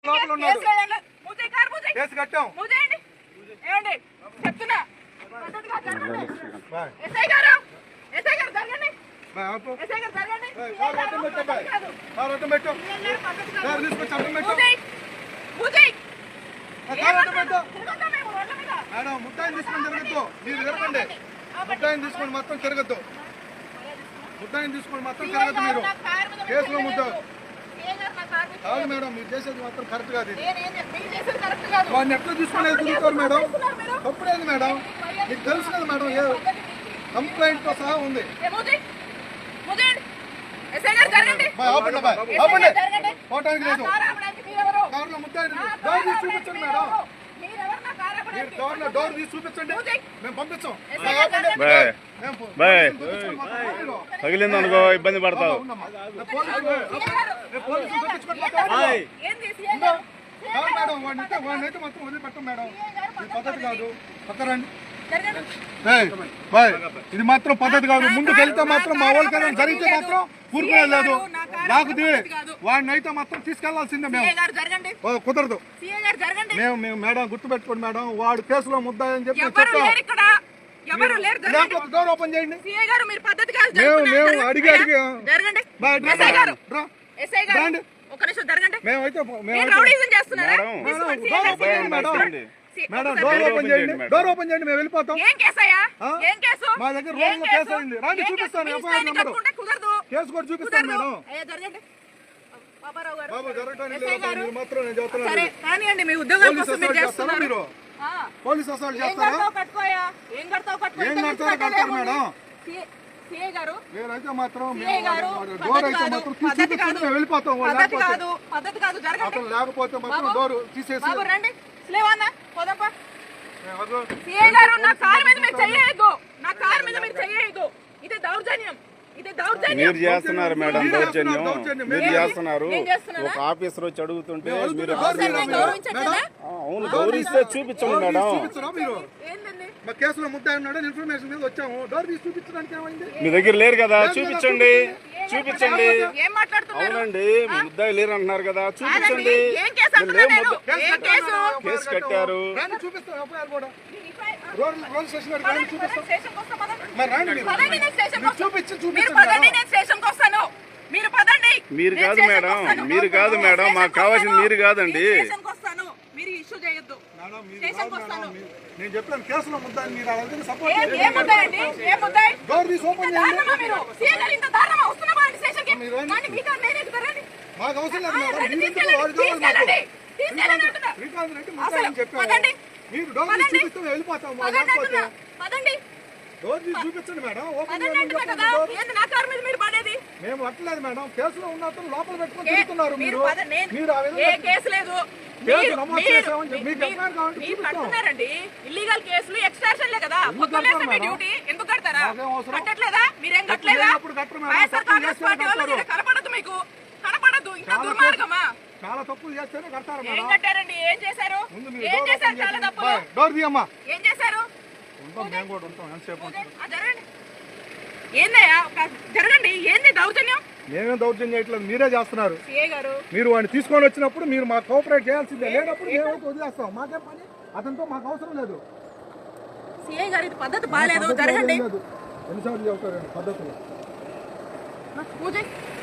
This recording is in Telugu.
కేసు కట్టాం. చెప్తున్నా మేడం ముట్టాయిని తీసుకొని తిరగద్దు. మీరు తిరగండి. ముట్టాయిని తీసుకొని మొత్తం తిరగద్దు. ముట్టాయిని తీసుకొని మొత్తం తిరగద్దు. మీరు కేసులో ముట్టారు కాదు మేడం. మీరు చేసేది మాత్రం కరెక్ట్ కాదు. వాడిని ఎట్లా తీసుకునేది తిరుగుతారు మేడం. తప్పుడేది మేడం. మీకు తెలుసు కదా మేడం. ఏ కంప్లైంట్ తో సహా ఉంది. పోవటానికి లేదు. కార్లో ముట్టాయి డోర్ తీసి చూపించండి మేడం. మీరు డోర్ తీసి చూపించండి. మేము పంపించాం. తగిలింది అనుకో ఇబ్బంది పడతావు. మేడం వాడినైతే మొత్తం వదిలిపెట్టం మేడం. ఇది పద్ధతి కాదు. పక్కరండి. ఇది మాత్రం పద్ధతి కాదు. ముందుకు వెళ్తే మాత్రం మా వాళ్ళకైనా జరిగితే మాత్రం ఊరుకునేది లేదు. లేకపోతే వాడిని అయితే మాత్రం తీసుకెళ్లాల్సిందే. మేము కుదరదు. మేము మేడం గుర్తుపెట్టుకోండి మేడం. వాడు కేసులో ముద్దాయని చెప్పి చెప్పాం. డోర్ ఓపెన్ చేయండి. మేము అడిగి మేమైతే మేడం డోర్ ఓపెన్ చేయండి. డోర్ ఓపెన్ చేయండి. మేము వెళ్ళిపోతాం. మా దగ్గర రోజులో కేసు అయింది. రాండి చూపిస్తాను. ఎఫ్ఐఆర్ నెంబర్ కేసు కూడా చూపిస్తాను మేడం. బాబు జరగడానికి లేదు మాత్రం నేను చెప్తున్నాను. మీరు పోలీస్ అసలు చేస్తారా? ఏం కడతారు మేడం? నేనైతే మాత్రం డోర్ అయితే మాత్రం చూపిస్తాను. మేము వెళ్ళిపోతాం. లేకపోతే మాత్రం డోర్ తీసేసి మీరు చేస్తున్నారు మేడం దౌర్జన్యం. మీరు చేస్తున్నారు. ఒక ఆఫీసర్ వచ్చి అడుగుతుంటే మీరు అవును గౌరవిస్తే చూపించండి మేడం. కేసులో ముద్దాయి ఉన్నాడు ఇన్ఫర్మేషన్ మీద వచ్చాము. డోర్ తీసి చూపించడానికి ఏమైంది? మీ దగ్గర లేరు కదా చూపించండి. అవునండి ముద్దాయి లేరు అంటున్నారు కదా చూపించండి. కేసు కట్టారు. మీరు కాదు మేడం. మీరు కాదు మేడం. మాకు కావాల్సింది మీరు కాదండి. నేను చెప్పాను కేసులో ముద్దాయి. మీరు డోర్ తీసి ఓపెన్ చేయండి. మాకు అవసరం లేదు మేడం. శ్రీకాంత్ రెడ్డి ముద్దాయి చెప్పాను. మీరు డోర్ తీసి చూపిస్తే వెళ్ళిపోతాం. డోర్ తీసి చూపించండి మేడం. ఓపెన్ మేము అట్లేదు మేడం. కేసులో ఉన్నట్టు లోపల పెట్టుకొని తిరుగుతున్నారు. మీరు ఇల్లీగల్ కేసులు ఎక్స్ట్రాషన్లే కదా. డ్యూటీ ఎందుకు కడతారా? కట్టట్లేదా? మీరేం కట్టలేదా? కనపడదు మీకు. కనపడదు. ఇంకా దుర్మార్గమా? చాలా తప్పులు చేస్తేనే కడతారు. ఏం కట్టారండి? ఏం చేశారు? ఏం చేశారు? చాలా తప్పులు డోర్ తీయమ్మా. ఏం చేశారు? మేము కూడా ఉంటాం. ఎంతసేపు ఏందయ్యా జరగండి. ఏంది దౌర్జన్యం? మేమేం దౌర్జన్యం చేయట్లేదు. మీరే చేస్తున్నారు. మీరు వాడిని తీసుకొని వచ్చినప్పుడు మీరు మాకు కోఆపరేట్ చేయాల్సిందే. లేనప్పుడు మేమైతే వదిలేస్తాం. మాకేం పని? అతనితో మాకు అవసరం లేదు. సిఐ గారు ఇది పద్ధతి బాగాలేదు. జరగండి. ఎన్నిసార్లు చెబుతారండి పద్ధతులు?